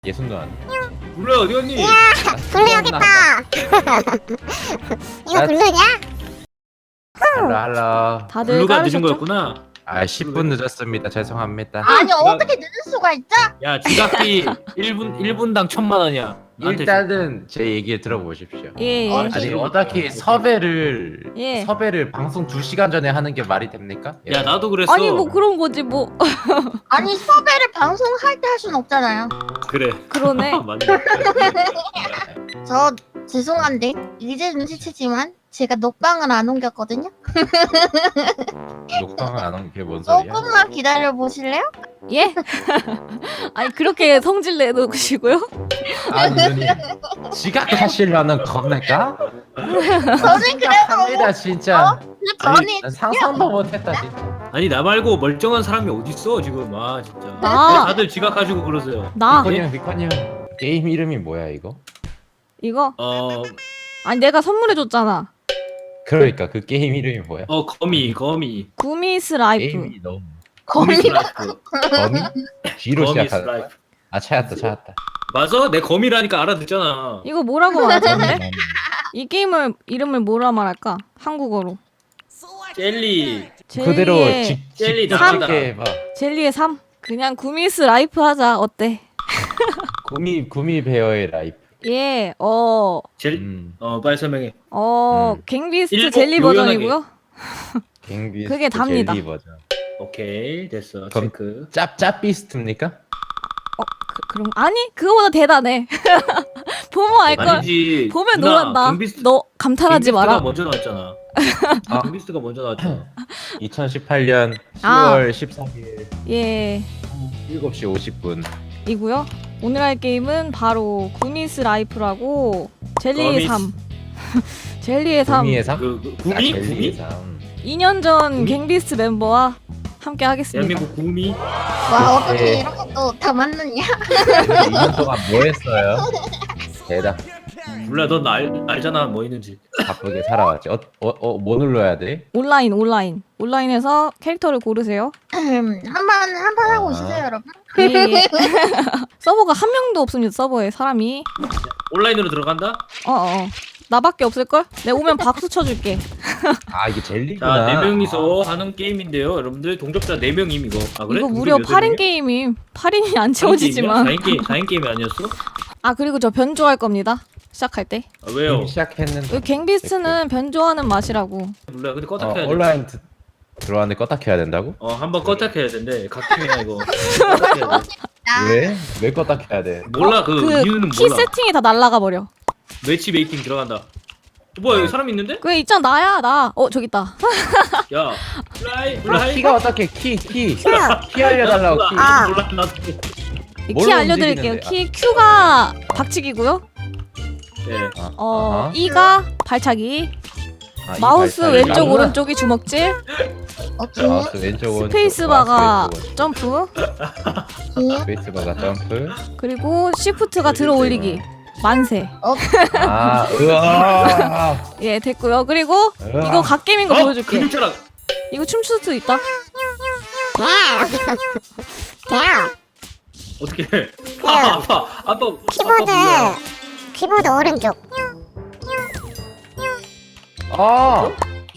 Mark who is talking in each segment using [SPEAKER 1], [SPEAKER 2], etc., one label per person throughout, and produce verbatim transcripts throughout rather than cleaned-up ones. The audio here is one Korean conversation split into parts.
[SPEAKER 1] 예순 누나한테.
[SPEAKER 2] 블루야 어디 갔니?
[SPEAKER 3] 야, 블루 여기 있다. 이거 블루냐?
[SPEAKER 1] 할로 할로.
[SPEAKER 4] 다들
[SPEAKER 2] 블루가 늦은
[SPEAKER 4] 깔으셨죠?
[SPEAKER 2] 거였구나.
[SPEAKER 1] 아 십 분 늦었습니다. 죄송합니다.
[SPEAKER 3] 아니 어떻게 늦을 수가 있죠?
[SPEAKER 2] 야 지각비 일 분 일 분당 천만 원이야. 나한테
[SPEAKER 1] 일단은 제 얘기 들어보십시오.
[SPEAKER 4] 예, 예.
[SPEAKER 3] 어,
[SPEAKER 1] 아니 어떻게 섭외를
[SPEAKER 4] 예.
[SPEAKER 1] 섭외를 방송 두 시간 전에 하는 게 말이 됩니까?
[SPEAKER 2] 줘. 야 나도 그랬어.
[SPEAKER 4] 아니 뭐 그런 거지 뭐.
[SPEAKER 3] 아니 섭외를 방송할 때 할 순 없잖아요.
[SPEAKER 2] 그래.
[SPEAKER 4] 그러네.
[SPEAKER 2] 맞네.
[SPEAKER 3] 저 죄송한데 이제 눈치채지만 제가 녹방을 안 옮겼거든요.
[SPEAKER 1] 녹방을 안 한 게 뭔 소리야?
[SPEAKER 3] 조금만 기다려 보실래요?
[SPEAKER 4] 예? 아니 그렇게 성질 내놓으시고요?
[SPEAKER 1] 아니 누님 지각하시려는 겁니까?
[SPEAKER 3] 저는 그래서
[SPEAKER 1] 합니다 진짜.
[SPEAKER 3] 근데 저는
[SPEAKER 1] 아니, 상상도 못했다 진짜.
[SPEAKER 2] 아니 나 말고 멀쩡한 사람이 어딨어 지금. 아 진짜.
[SPEAKER 4] 나.
[SPEAKER 2] 다들 지각하시고 그러세요.
[SPEAKER 4] 나
[SPEAKER 1] 비컨이 형 비컨이 형 게임 이름이 뭐야 이거?
[SPEAKER 4] 이거
[SPEAKER 2] 어,
[SPEAKER 4] 아니 내가 선물해줬잖아.
[SPEAKER 1] 그러니까 그 게임 이름이 뭐야?
[SPEAKER 2] 어 거미 거미.
[SPEAKER 4] 구미스 라이프.
[SPEAKER 1] 게임이 너무
[SPEAKER 3] 거미
[SPEAKER 2] 스라이프.
[SPEAKER 1] 거미? G로
[SPEAKER 2] 거미
[SPEAKER 1] 시작하는 거야?
[SPEAKER 2] 스라이프.
[SPEAKER 1] 아 찾았다 찾았다.
[SPEAKER 2] 맞아? 내 거미라니까 알아듣잖아.
[SPEAKER 4] 이거 뭐라고 말하던데? 이 게임을 이름을 뭐라 말할까? 한국어로.
[SPEAKER 2] 젤리.
[SPEAKER 1] 그대로
[SPEAKER 4] 젤리의
[SPEAKER 1] 직
[SPEAKER 2] 젤리
[SPEAKER 1] 직접
[SPEAKER 2] 나간다.
[SPEAKER 1] 찍게 해봐.
[SPEAKER 4] 젤리의 삶. 그냥 구미스 라이프 하자. 어때?
[SPEAKER 1] 구미 구미 베어의 라이프.
[SPEAKER 4] 예. 어.
[SPEAKER 2] 젤.
[SPEAKER 1] 음.
[SPEAKER 2] 어 빨리 설명해.
[SPEAKER 4] 어,
[SPEAKER 1] 음.
[SPEAKER 4] 갱비스트
[SPEAKER 2] 일본
[SPEAKER 4] 젤리
[SPEAKER 2] 요연하게.
[SPEAKER 4] 버전이고요.
[SPEAKER 1] 갱비.
[SPEAKER 4] 그게 답니다.
[SPEAKER 1] 젤리 버전.
[SPEAKER 2] 오케이 됐어.
[SPEAKER 1] 그럼-
[SPEAKER 2] 체크.
[SPEAKER 1] 짭 짭비스트입니까?
[SPEAKER 4] 어, 그, 그럼 아니 그거보다 대단해. 보면 알 걸.
[SPEAKER 2] 아니지.
[SPEAKER 4] 보면
[SPEAKER 2] 누나,
[SPEAKER 4] 놀란다.
[SPEAKER 2] 갱비스트-
[SPEAKER 4] 너 감탄하지
[SPEAKER 2] 갱비스트가
[SPEAKER 4] 마라.
[SPEAKER 2] 먼저 나왔잖아.
[SPEAKER 1] 아.
[SPEAKER 2] 갱비스트가 먼저 나왔잖아.
[SPEAKER 1] 이천십팔 년
[SPEAKER 4] 아.
[SPEAKER 1] 시월 십삼일
[SPEAKER 4] 예.
[SPEAKER 1] 일곱 시 오십 분.
[SPEAKER 4] 이고요. 오늘 할 게임은 바로 구미스 라이프라고 젤리의
[SPEAKER 2] 거미스.
[SPEAKER 4] 삶. 젤리의 삶.
[SPEAKER 1] 구미의 삶?
[SPEAKER 2] 그, 그
[SPEAKER 1] 아,
[SPEAKER 2] 구미
[SPEAKER 1] 젤리의
[SPEAKER 2] 구미.
[SPEAKER 1] 삶.
[SPEAKER 4] 이 년 전
[SPEAKER 2] 구미?
[SPEAKER 4] 갱비스트 멤버와 함께 하겠습니다.
[SPEAKER 2] 대한민국 구미.
[SPEAKER 3] 와 어떻게
[SPEAKER 1] 네.
[SPEAKER 3] 이렇게 또 다 맞느냐?
[SPEAKER 1] 이 년 동안 뭐 했어요? 대답.
[SPEAKER 2] 몰라 넌 알, 알잖아 뭐 있는지.
[SPEAKER 1] 바쁘게 살아왔지. 어, 어, 어, 뭐 눌러야 돼?
[SPEAKER 4] 온라인 온라인 온라인에서 캐릭터를 고르세요.
[SPEAKER 3] 한번 한 판 하고
[SPEAKER 1] 아.
[SPEAKER 3] 오시죠 여러분.
[SPEAKER 4] 예. 서버가 한 명도 없습니다. 서버에 사람이.
[SPEAKER 2] 온라인으로 들어간다.
[SPEAKER 4] 어어. 나밖에 없을걸? 내가 오면 박수 쳐줄게.
[SPEAKER 1] 아 이게 젤리구나.
[SPEAKER 2] 자, 네 명이서 하는 게임인데요. 여러분들 동접자 네 명임 이거. 아 그래?
[SPEAKER 4] 이거
[SPEAKER 2] 동접
[SPEAKER 4] 무려
[SPEAKER 2] 여덟
[SPEAKER 4] 팔 인
[SPEAKER 2] 명이야?
[SPEAKER 4] 게임임. 팔 인이 안 채워지지만.
[SPEAKER 2] 사 인 게임, 사 인 게임이 아니었어?
[SPEAKER 4] 아 그리고 저 변조할 겁니다. 시작할 때.
[SPEAKER 2] 아, 왜요?
[SPEAKER 1] 이미 시작했는데.
[SPEAKER 4] 여기 갱비스트는 변조하는 맛이라고.
[SPEAKER 2] 몰라. 근데 껐다
[SPEAKER 1] 어,
[SPEAKER 2] 켜야 돼.
[SPEAKER 1] 온라인 드, 들어왔는데 껐다 켜야 된다고?
[SPEAKER 2] 어, 한번 껐다 켜야 된대. 각kim이야 이거. 껐다 켜야 돼.
[SPEAKER 1] 왜? 왜 껐다 켜야 돼?
[SPEAKER 2] 몰라 그, 이유는
[SPEAKER 4] 키
[SPEAKER 2] 몰라.
[SPEAKER 4] 세팅이 다 날라가 버려.
[SPEAKER 2] 매치 메이팅 들어간다. 어, 뭐야 여기 사람 있는데?
[SPEAKER 4] 그게 있잖아 나야 나. 어 저기 있다.
[SPEAKER 2] 야, 플라이,
[SPEAKER 1] 아,
[SPEAKER 2] 플라이.
[SPEAKER 1] 키가 어떻게 키 키. 키 알려달라고 키.
[SPEAKER 3] 아.
[SPEAKER 2] 몰라 나도.
[SPEAKER 4] 키
[SPEAKER 1] 뭘로
[SPEAKER 4] 알려드릴게요.
[SPEAKER 1] 움직이는데?
[SPEAKER 4] 키 Q가 박치기고요.
[SPEAKER 2] 네.
[SPEAKER 1] 아,
[SPEAKER 4] 어
[SPEAKER 1] 아하.
[SPEAKER 4] E가 발차기.
[SPEAKER 1] 아, 이
[SPEAKER 4] 마우스
[SPEAKER 1] 발차기.
[SPEAKER 4] 왼쪽
[SPEAKER 1] 나구나.
[SPEAKER 4] 오른쪽이 주먹질.
[SPEAKER 3] 오케이.
[SPEAKER 1] 마우스 왼쪽 오른쪽.
[SPEAKER 4] 스페이스바가
[SPEAKER 1] 마우스 왼쪽
[SPEAKER 4] 점프.
[SPEAKER 3] 오케이.
[SPEAKER 1] 오른쪽. 스페이스바가 점프.
[SPEAKER 4] 그리고 시프트가 들어 올리기. 만세.
[SPEAKER 1] 아, 으아.
[SPEAKER 4] 예 됐고요. 그리고
[SPEAKER 1] 으아.
[SPEAKER 4] 이거 갓게임인 거
[SPEAKER 2] 어?
[SPEAKER 4] 보여줄게.
[SPEAKER 2] 근육자랑.
[SPEAKER 4] 이거 춤출 수도 있다.
[SPEAKER 3] 야,
[SPEAKER 2] 어떻게 해? 아, 아파. 아빠.
[SPEAKER 3] 키보드 키보드 오른쪽.
[SPEAKER 1] 아.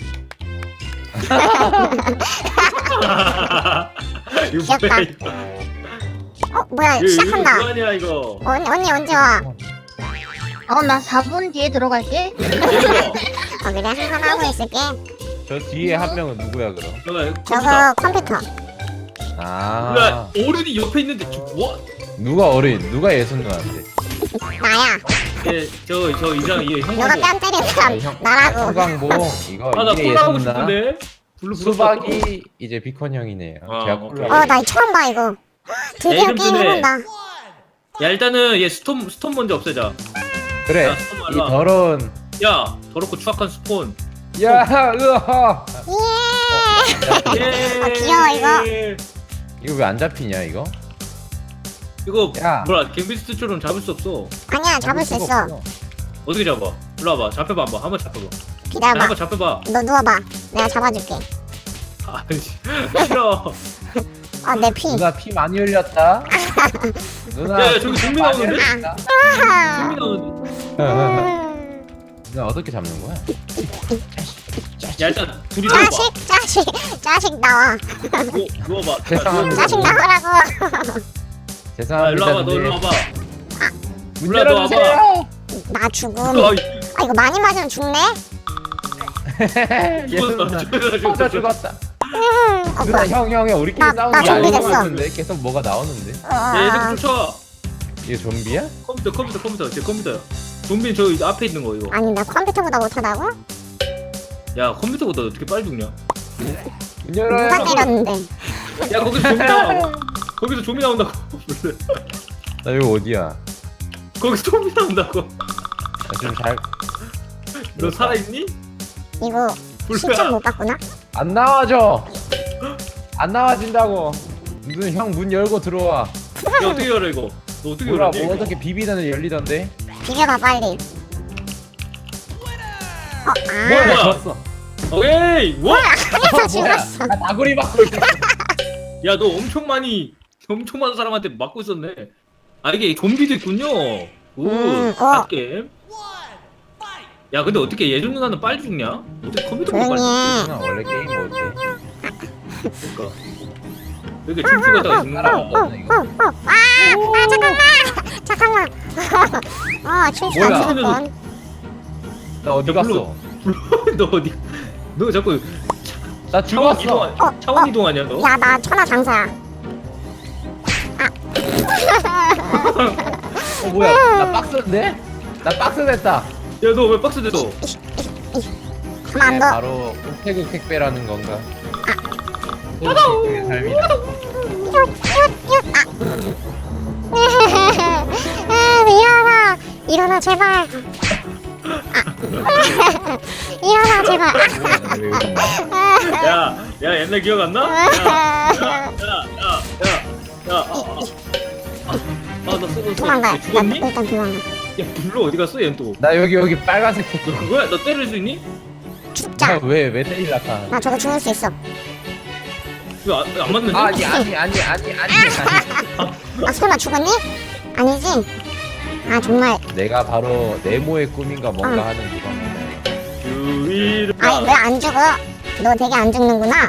[SPEAKER 2] 이거
[SPEAKER 3] 귀엽다.
[SPEAKER 2] 뭐야? 이거.
[SPEAKER 3] 어 뭐야
[SPEAKER 2] 이거
[SPEAKER 3] 시작한다.
[SPEAKER 2] 뭐 아니야 이거.
[SPEAKER 3] 언니 언니 언제 와? 어 나 사 분 뒤에 들어갈게.
[SPEAKER 2] 이거.
[SPEAKER 3] 어 그래 한 판 하고 있을게.
[SPEAKER 1] 저 뒤에 한 명은 누구야 그럼?
[SPEAKER 2] 뭐야?
[SPEAKER 3] 저거 컴퓨터.
[SPEAKER 1] 아.
[SPEAKER 2] 뭐야? 어른이 옆에 있는데 저 뭐?
[SPEAKER 1] 누가 어린? 누가 예순 누나한테?
[SPEAKER 3] 나야.
[SPEAKER 2] 예, 저저 이장 이 형.
[SPEAKER 3] 누가 뺨 때린 사람 나라고.
[SPEAKER 1] 수강봉 이거
[SPEAKER 2] 아나
[SPEAKER 1] 이게
[SPEAKER 2] 콜라 하고
[SPEAKER 1] 예순 누나.
[SPEAKER 2] 싶은데. 블루
[SPEAKER 1] 수박이 이제 비컨 형이네요.
[SPEAKER 2] 아,
[SPEAKER 1] 제가
[SPEAKER 2] 오케이.
[SPEAKER 1] 콜라.
[SPEAKER 3] 어 나 처음 봐 이거. 드디어
[SPEAKER 2] 이름
[SPEAKER 3] 게임
[SPEAKER 2] 주네.
[SPEAKER 3] 해본다.
[SPEAKER 2] 야 일단은 얘 스톰 스톰 먼저 없애자.
[SPEAKER 1] 그래.
[SPEAKER 2] 야, 스톰
[SPEAKER 1] 이
[SPEAKER 2] 알아.
[SPEAKER 1] 더러운.
[SPEAKER 2] 야 더럽고 추악한 스폰.
[SPEAKER 1] 야, 으아.
[SPEAKER 3] 예.
[SPEAKER 2] 예.
[SPEAKER 3] 아, 귀여워, 이거.
[SPEAKER 1] 이거 왜 안 잡히냐 이거?
[SPEAKER 2] 이거
[SPEAKER 1] 야.
[SPEAKER 2] 뭐야 갱비스트처럼 잡을 수 없어.
[SPEAKER 3] 아니야 잡을 수
[SPEAKER 1] 수가
[SPEAKER 3] 있어.
[SPEAKER 1] 없어.
[SPEAKER 2] 어떻게 잡아? 일로 와봐. 잡혀봐 한번. 한번 잡혀봐. 야,
[SPEAKER 3] 기다려봐.
[SPEAKER 2] 한번 잡혀봐.
[SPEAKER 3] 너 누워봐. 내가 잡아줄게.
[SPEAKER 2] 아니 싫어.
[SPEAKER 3] 어 내 피.
[SPEAKER 1] 누나 피 많이 흘렸다. 누나.
[SPEAKER 2] 야, 야, 저기 좀비 나오는데?
[SPEAKER 1] 아.
[SPEAKER 2] 좀비 나오는데?
[SPEAKER 1] 누나 어떻게 잡는 거야?
[SPEAKER 2] 야 일단 둘이 누워봐.
[SPEAKER 5] 자식 자식 자식 나와.
[SPEAKER 2] 누워, 누워봐.
[SPEAKER 1] 죄송합니다.
[SPEAKER 5] 자식 나오라고.
[SPEAKER 2] 야
[SPEAKER 1] 죄송합니다.
[SPEAKER 2] 일로 와봐. 너
[SPEAKER 1] 근데
[SPEAKER 2] 일로 와봐.
[SPEAKER 1] 문
[SPEAKER 2] 몰라, 너
[SPEAKER 1] 열어주세요.
[SPEAKER 5] 나 죽음.
[SPEAKER 2] 아,
[SPEAKER 5] 아 이거 많이 맞으면 죽네.
[SPEAKER 1] 예수 누나.
[SPEAKER 2] 죽었어.
[SPEAKER 1] 저 죽었다.
[SPEAKER 5] 음, 어,
[SPEAKER 1] 누나
[SPEAKER 5] 뭐야.
[SPEAKER 1] 형형 형 우리끼리
[SPEAKER 5] 나-
[SPEAKER 1] 싸우는
[SPEAKER 5] 나
[SPEAKER 1] 게 아닌 것
[SPEAKER 5] 준비됐어.
[SPEAKER 1] 같은데 계속 뭐가 나오는데?
[SPEAKER 2] 야, 얘들
[SPEAKER 5] 어,
[SPEAKER 2] 쫓아.
[SPEAKER 1] 이게 좀비야?
[SPEAKER 2] 컴퓨터, 컴퓨터, 컴퓨터. 제 컴퓨터야. 좀비 저 앞에 있는 거 이거.
[SPEAKER 5] 아니 나 컴퓨터보다 못하다고?
[SPEAKER 2] 야, 컴퓨터보다 어떻게 빨리 죽냐?
[SPEAKER 1] 문 열어요.
[SPEAKER 5] 누가 때렸는데?
[SPEAKER 2] 야, 거기서 좀비 나와. 거기서 좀비 나온다고. 몰래.
[SPEAKER 1] 나 여기 어디야?
[SPEAKER 2] 거기서 좀비 나온다고.
[SPEAKER 1] 나좀잘안
[SPEAKER 2] 너 살아있니?
[SPEAKER 5] 이거 신청 못 받구나?
[SPEAKER 1] 나와져. 안 나와진다고. 눈 형 문 열고 들어와.
[SPEAKER 2] 야, 어떻게 열어 이거? 너 어떻게
[SPEAKER 1] 몰라
[SPEAKER 2] 열었니?
[SPEAKER 1] 뭐 어떻게 비비다는 열리던데?
[SPEAKER 5] 비벼봐 빨리. 어,
[SPEAKER 1] 뭐야
[SPEAKER 5] 아,
[SPEAKER 1] 나
[SPEAKER 2] 뭐야?
[SPEAKER 1] 졌어.
[SPEAKER 2] 오케이. 와!
[SPEAKER 5] 안에서
[SPEAKER 1] 뭐야?
[SPEAKER 5] 죽었어.
[SPEAKER 1] 나 다구리 맞고 있어.
[SPEAKER 2] 야, 너 엄청 많이 엄청 많은 사람한테 맞고 있었네. 아, 이게 좀비도 있군요. 오,
[SPEAKER 5] 음, 어.
[SPEAKER 2] 게임. 야, 근데 어떻게 예전 누나는 빨리 죽냐? 어떻게 컴퓨터가 빨리
[SPEAKER 5] 조용히 해.
[SPEAKER 1] 누나 원래 게임 못해.
[SPEAKER 2] 죽을까? 왜 이렇게 춤추다가 죽는
[SPEAKER 1] 따라와.
[SPEAKER 2] 거야?
[SPEAKER 5] 어, 어, 아, 아 잠깐만, 잠깐만. 어, 춤추다
[SPEAKER 1] 뭐야?
[SPEAKER 5] 죽을 뻔.
[SPEAKER 1] 나 어디
[SPEAKER 2] 야, 불러.
[SPEAKER 1] 갔어?
[SPEAKER 2] 너 어디? 너 자꾸
[SPEAKER 1] 나
[SPEAKER 2] 차원
[SPEAKER 1] 죽었어.
[SPEAKER 2] 이동
[SPEAKER 5] 어,
[SPEAKER 2] 차원
[SPEAKER 5] 어.
[SPEAKER 2] 이동하냐 너?
[SPEAKER 5] 야, 나 천하장사야.
[SPEAKER 1] 어 뭐야? 나 박스인데? 나 박스 됐다.
[SPEAKER 2] 야, 너 왜 박스 됐어?
[SPEAKER 5] 가만
[SPEAKER 1] 네,
[SPEAKER 5] 안 둬.
[SPEAKER 1] 바로 우태국 택배라는 건가? 소식의 삶이다.
[SPEAKER 5] 아, 일어나, 일어나 제발. 아. 일어나 제발.
[SPEAKER 1] 뭐야, 왜 여기 있나?
[SPEAKER 2] 야, 야 옛날 기억 안 나? 야, 야, 야, 야, 야, 야, 아, 아, 아, 아, 나 쏘, 쏘,
[SPEAKER 5] 도망가.
[SPEAKER 2] 쏘.
[SPEAKER 5] 나
[SPEAKER 2] 죽었니?
[SPEAKER 5] 일단 도망가.
[SPEAKER 2] 야, 불러 어디 갔어, 얘는 또?
[SPEAKER 1] 나 여기 여기 빨간색
[SPEAKER 2] 너
[SPEAKER 1] 택배.
[SPEAKER 2] 그거야? 너 때릴 수 있니?
[SPEAKER 5] 죽자.
[SPEAKER 1] 왜왜 때리려까?
[SPEAKER 5] 나 저거 죽을 수 있어.
[SPEAKER 2] 이거 안, 안 맞는데?
[SPEAKER 1] 아니 아니 아니 아니 아니 아니.
[SPEAKER 5] 아, 설마 죽었니? 아니지? 아, 정말.
[SPEAKER 1] 내가 바로 네모의 꿈인가 뭔가
[SPEAKER 5] 어.
[SPEAKER 1] 하는 그거.
[SPEAKER 2] 유일.
[SPEAKER 5] 아니, 왜 안 죽어? 너 되게 안 죽는구나.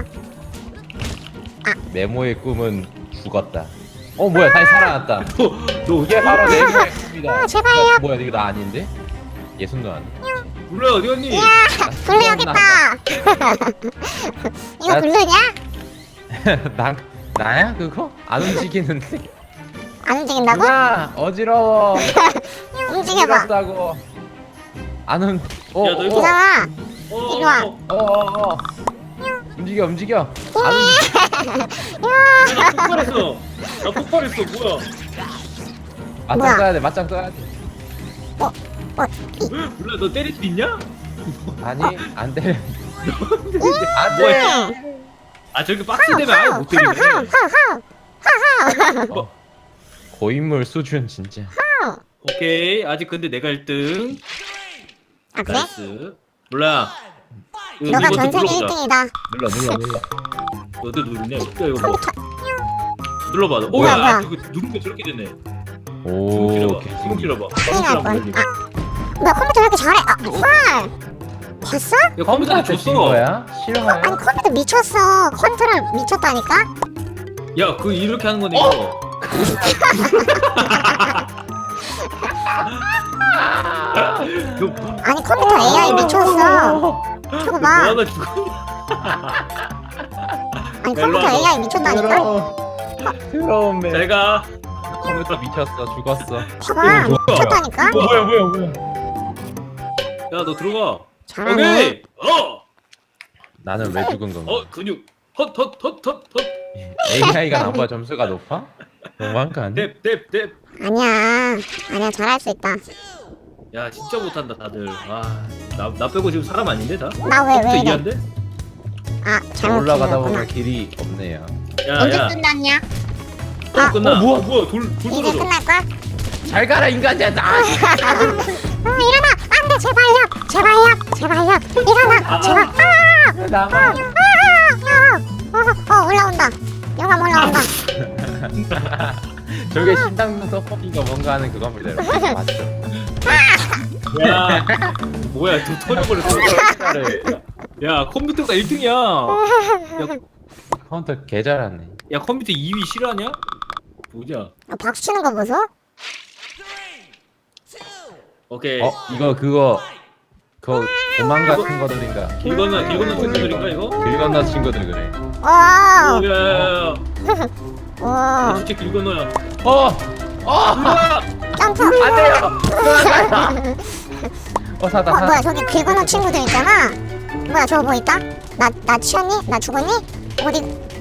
[SPEAKER 1] 네모의 꿈은 죽었다. 어 뭐야 다시 살아났다.
[SPEAKER 2] 너, 너
[SPEAKER 1] 이게 바로 네모의 꿈이다.
[SPEAKER 5] 아, 제발요.
[SPEAKER 1] 야, 뭐야 이거 나 아닌데? 예순도 아니.
[SPEAKER 2] 불러 어디 갔니?
[SPEAKER 5] 블루 여기 있다. 이거
[SPEAKER 1] 나-
[SPEAKER 5] 블루냐?
[SPEAKER 1] 나 나야 그거? 안 움직이는데.
[SPEAKER 5] 안 움직인다고?
[SPEAKER 1] 누나 어지러워.
[SPEAKER 5] 움직여봐.
[SPEAKER 1] 어지럽다고. 안 움. 어,
[SPEAKER 2] 야, 너 이거-
[SPEAKER 1] 어,
[SPEAKER 5] 이상아.
[SPEAKER 2] 어,
[SPEAKER 5] 이리 와.
[SPEAKER 2] 어,
[SPEAKER 1] 어, 어, 어. 움직여 움직여. 안 움직여.
[SPEAKER 2] 나 폭발했어. 나 폭발했어. 뭐야?
[SPEAKER 1] 맞짱
[SPEAKER 5] 뭐야?
[SPEAKER 1] 떠야 돼. 맞짱 떠야 돼.
[SPEAKER 2] 몰라, 너 때릴 수 있냐?
[SPEAKER 1] 아니 안 돼. 안
[SPEAKER 2] 뭐야?
[SPEAKER 1] 돼.
[SPEAKER 2] 아, 저렇게 박스 되면 아예 못 때리네.
[SPEAKER 1] 어. 고인물 수준 진짜.
[SPEAKER 2] 오케이, 아직 근데 내가 일 등.
[SPEAKER 5] 아, 그래?
[SPEAKER 2] 나이스. 몰라. 이거,
[SPEAKER 5] 너가
[SPEAKER 2] 이것도
[SPEAKER 5] 전 세계
[SPEAKER 2] 눌러보자.
[SPEAKER 5] 일 등이다.
[SPEAKER 1] 눌러 눌러 눌러.
[SPEAKER 2] 어디 누르냐? 야, 이거 뭐. 눌러봐. 너. 오,
[SPEAKER 5] 뭐야,
[SPEAKER 2] 야,
[SPEAKER 5] 뭐야.
[SPEAKER 2] 아, 저거 누른 게 저렇게 되네.
[SPEAKER 1] 오.
[SPEAKER 2] 주먹
[SPEAKER 1] 오케이.
[SPEAKER 2] 찔러봐. 주먹 찔러봐.
[SPEAKER 5] 큰일 날
[SPEAKER 2] 주먹
[SPEAKER 5] 뻔.
[SPEAKER 2] 찔러봐.
[SPEAKER 5] 아, 뭐야, 컴퓨터 왜 이렇게 잘해? 아, 헐. 봤어?
[SPEAKER 2] 야, 컴퓨터
[SPEAKER 1] 컴퓨터한테 진
[SPEAKER 2] 줬어.
[SPEAKER 1] 거야?
[SPEAKER 5] 아니,
[SPEAKER 1] 싫어요?
[SPEAKER 5] 컴퓨터 미쳤어. 컨트롤 미쳤다니까?
[SPEAKER 2] 야, 그 이렇게 하는 거네 이거. 너
[SPEAKER 5] 아니, 컴퓨터 에이아이 미쳤어. 저거 봐.
[SPEAKER 2] 뭐하나 죽어?
[SPEAKER 5] 아니,
[SPEAKER 2] 일로
[SPEAKER 5] 컴퓨터
[SPEAKER 2] 와봐.
[SPEAKER 5] 에이아이 미쳤다니까?
[SPEAKER 1] 더러워. 더러운 매.
[SPEAKER 2] 제가
[SPEAKER 1] 컴퓨터 미쳤어. 죽었어.
[SPEAKER 5] 봐봐.
[SPEAKER 1] 뭐야?
[SPEAKER 5] 미쳤다니까?
[SPEAKER 1] 뭐야 뭐야 뭐야.
[SPEAKER 2] 야, 너 들어가.
[SPEAKER 5] 잘하네.
[SPEAKER 2] 오케이. 어.
[SPEAKER 1] 나는 왜 죽은 건가?
[SPEAKER 2] 어, 근육. 헛헛헛헛헛.
[SPEAKER 1] 에이아이가 나보다 점수가 높아? 너무한 거 아니야?
[SPEAKER 2] 뎁뎁뎁.
[SPEAKER 5] 아니야. 아니야, 잘할 수 있다.
[SPEAKER 2] 야, 진짜 못한다 다들. 아, 나, 나 빼고 지금 사람 아닌데 다?
[SPEAKER 5] 나 왜,
[SPEAKER 2] 컴퓨터
[SPEAKER 5] 왜 이래?
[SPEAKER 2] 이해한대?
[SPEAKER 5] 아, 잘못
[SPEAKER 1] 올라가다
[SPEAKER 5] 눌렀구나.
[SPEAKER 1] 보면 길이 없네요.
[SPEAKER 2] 야,
[SPEAKER 3] 언제
[SPEAKER 2] 야.
[SPEAKER 3] 끝났냐?
[SPEAKER 2] 또 끝나.
[SPEAKER 1] 어, 뭐야?
[SPEAKER 2] 어, 뭐야? 돌, 돌
[SPEAKER 5] 이제
[SPEAKER 2] 떨어져.
[SPEAKER 5] 끝날걸?
[SPEAKER 1] 잘 가라 인간이야 나.
[SPEAKER 5] 어, 일어나! 안 돼! 제발요! 제발요! 제발요! 일어나! 제발! 아!
[SPEAKER 1] 나만.
[SPEAKER 5] 아! 아! 어, 어, 올라온다. 영감 올라온다.
[SPEAKER 1] 저게 신당 서포팅가 뭔가 하는 그겁니다. 여러분. 맞죠?
[SPEAKER 2] 야 뭐야 저 터져버렸어. 야 컴퓨터가 일 등이야. 야,
[SPEAKER 1] 카운터 개 잘하네.
[SPEAKER 2] 야 컴퓨터 이 위 실화냐? 보자.
[SPEAKER 5] 아, 박수 치는 거 보소?
[SPEAKER 2] 오케이.
[SPEAKER 1] 어 이거 그거 그 도망 같은 거들인가?
[SPEAKER 2] 길 건너 길 건너 친구들인가 이거?
[SPEAKER 1] 길 건너 친구들 그래.
[SPEAKER 5] 오!
[SPEAKER 2] 야야야야.
[SPEAKER 5] 오!
[SPEAKER 2] 진짜 길 건너야.
[SPEAKER 1] 어! 어!
[SPEAKER 2] 우와!
[SPEAKER 5] 점프!
[SPEAKER 1] 안 돼요! 어 사다
[SPEAKER 5] 어,
[SPEAKER 1] 사다.
[SPEAKER 5] 뭐야, 저기 긁어놓은 친구들 있잖아? 뭐야, 저거 뭐 있다? 나, 나 치웠니? 나 죽었니? 어디?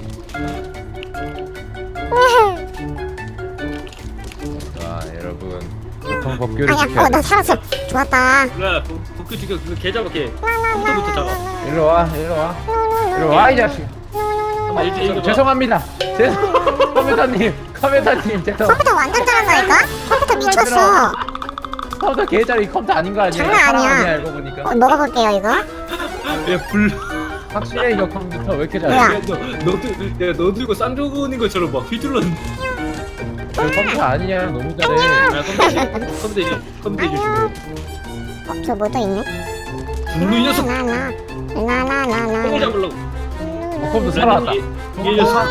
[SPEAKER 1] 와 여러분 교통 법규를
[SPEAKER 5] 아니야,
[SPEAKER 1] 지켜야
[SPEAKER 5] 어, 나
[SPEAKER 1] 돼.
[SPEAKER 5] 살았어. 좋았다.
[SPEAKER 2] 야 복귀 지금 그거 개 잡아 개. 컴퓨터부터 잡아.
[SPEAKER 1] 일로 와 일로 와 일로 와 이 자식.
[SPEAKER 2] 잠깐만 일찍 읽어봐.
[SPEAKER 1] 죄송합니다. 죄송. 컴퓨터님 컴퓨터님 죄송.
[SPEAKER 5] 컴퓨터 완전 잘한다니까? 컴퓨터 미쳤어.
[SPEAKER 1] 컴퓨터 개짜리 컴퓨터 아닌 거 아니에요?
[SPEAKER 5] 장난 아니야.
[SPEAKER 1] 사람 아니야 알고 보니까.
[SPEAKER 5] 어, 먹어볼게요, 이거.
[SPEAKER 2] 야불.
[SPEAKER 1] 확실해 이거 컴퓨터 왜 이렇게
[SPEAKER 5] 뭐야?
[SPEAKER 1] 잘해?
[SPEAKER 2] 야너너 들, 야너 들고 쌍조근인 것처럼 막 휘둘렀는데.
[SPEAKER 1] 이거 컴퓨터 아니야 너무 잘해.
[SPEAKER 2] 야 컴퓨터 이제 컴퓨터 이제 컴퓨터 이제 죽어.
[SPEAKER 5] 어, 저 뭐 또 있네?
[SPEAKER 2] 블루 이 녀석.
[SPEAKER 5] 라라. 라라라라.
[SPEAKER 2] 똥을 잡으려고.
[SPEAKER 1] 어, 컴퓨터 살아왔다.
[SPEAKER 2] 이, 이 녀석.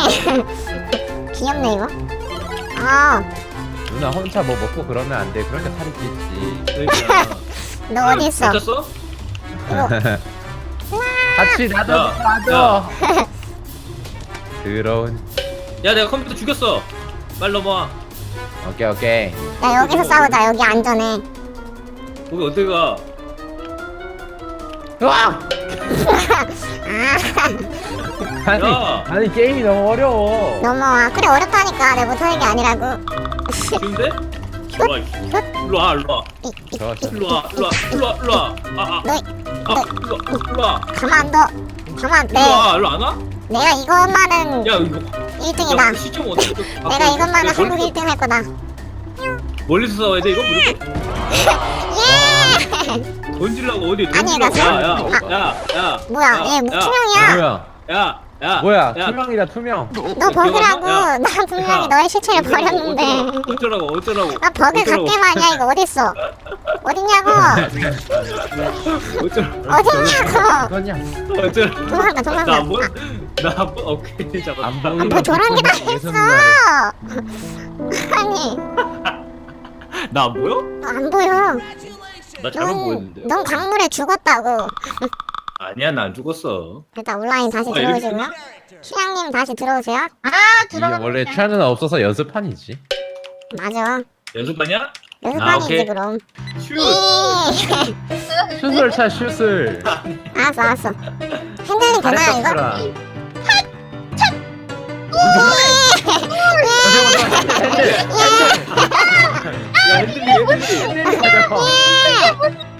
[SPEAKER 5] 귀엽네, 이거. 아,
[SPEAKER 1] 누나 혼자 뭐 먹고 그러면 안 돼. 그러니까 살이 찌지.
[SPEAKER 2] 그러니까.
[SPEAKER 5] 너 어디 있어?
[SPEAKER 2] 다쳤어?
[SPEAKER 1] 같이 나도
[SPEAKER 2] 야,
[SPEAKER 1] 나도. 더러운.
[SPEAKER 2] 야 내가 컴퓨터 죽였어. 빨리 넘어와.
[SPEAKER 1] 오케이 오케이.
[SPEAKER 5] 야, 여기서 싸우자. 여기 안전해.
[SPEAKER 2] 거기 어디 가?
[SPEAKER 1] 으악!
[SPEAKER 5] 아,
[SPEAKER 1] 아니
[SPEAKER 2] 야.
[SPEAKER 1] 아니 게임이 너무 어려워.
[SPEAKER 5] 넘어와. 그래, 어렵다니까. 내가 못하는 게 아니라고.
[SPEAKER 2] 쉬운데? 일로 와. 일로 와. 일로 와.
[SPEAKER 5] 이, 이,
[SPEAKER 1] 저, 저.
[SPEAKER 2] 일로 와. 일로 와. 일로 와. 일로 와. 아 아.
[SPEAKER 5] 너희,
[SPEAKER 2] 아 일로 와. 일로 와.
[SPEAKER 5] 가만 둬. 가만 돼.
[SPEAKER 2] 일로 와. 일로 안 와?
[SPEAKER 5] 내가 이것만은
[SPEAKER 2] 야 이거.
[SPEAKER 5] 일 등이다.
[SPEAKER 2] 시점 어떻게?
[SPEAKER 5] 내가 이것만은 한국 일 등 할 거다.
[SPEAKER 2] 멀리서 싸워야 돼 이거 무조건.
[SPEAKER 5] 예!
[SPEAKER 2] 던질라고 어디
[SPEAKER 5] 아니, 나
[SPEAKER 2] 던질라고.
[SPEAKER 5] 사-
[SPEAKER 2] 야야야.
[SPEAKER 5] 뭐야, 얘 투명이야.
[SPEAKER 1] 뭐야?
[SPEAKER 2] 야. 야.
[SPEAKER 1] 뭐야?
[SPEAKER 2] 야.
[SPEAKER 1] 투명이다 투명.
[SPEAKER 5] 너 버그라고.
[SPEAKER 2] 야.
[SPEAKER 5] 나 분명히
[SPEAKER 2] 야.
[SPEAKER 5] 너의 시체를 버렸는데.
[SPEAKER 2] 어쩌라고 어쩌라고.
[SPEAKER 5] 나 버그 갖게 마냐, 이거 어딨어? 어딨냐고?
[SPEAKER 2] 어쩌라고.
[SPEAKER 5] 어딨냐고?
[SPEAKER 1] 그거냐?
[SPEAKER 2] 어쩌라고.
[SPEAKER 5] 도망가, 도망가.
[SPEAKER 2] 나안 보. 나안 보. 오케이 잡았다.
[SPEAKER 1] 안 보이는.
[SPEAKER 5] 뭐 저런 게 다
[SPEAKER 1] 예선
[SPEAKER 5] 했어.
[SPEAKER 1] 누나를.
[SPEAKER 5] 아니,
[SPEAKER 2] 나안 보여?
[SPEAKER 5] 너 안 보여.
[SPEAKER 2] 나 잘못
[SPEAKER 5] 넌,
[SPEAKER 2] 보였는데.
[SPEAKER 5] 넌 강물에 죽었다고.
[SPEAKER 2] 아니야 나 안 죽었어.
[SPEAKER 5] 일단 온라인 다시
[SPEAKER 2] 아, 이렇게-
[SPEAKER 5] 들어오시고요. 휴양님 다시 들어오세요.
[SPEAKER 3] 아
[SPEAKER 1] 이게
[SPEAKER 3] 들어가.
[SPEAKER 1] 원래 취하는 없어서 연습판이지.
[SPEAKER 5] 맞아.
[SPEAKER 2] 연습하냐?
[SPEAKER 5] 연습하기지
[SPEAKER 2] 오케이.
[SPEAKER 5] 그럼.
[SPEAKER 2] 슛.
[SPEAKER 5] 이.
[SPEAKER 1] 슛을 차 슛을.
[SPEAKER 5] 알았어, 알았어. 핸들링 되나요, 이거?
[SPEAKER 1] 잘했어.
[SPEAKER 2] 야 핸들리 핸들리.
[SPEAKER 1] 핸들링 가져가.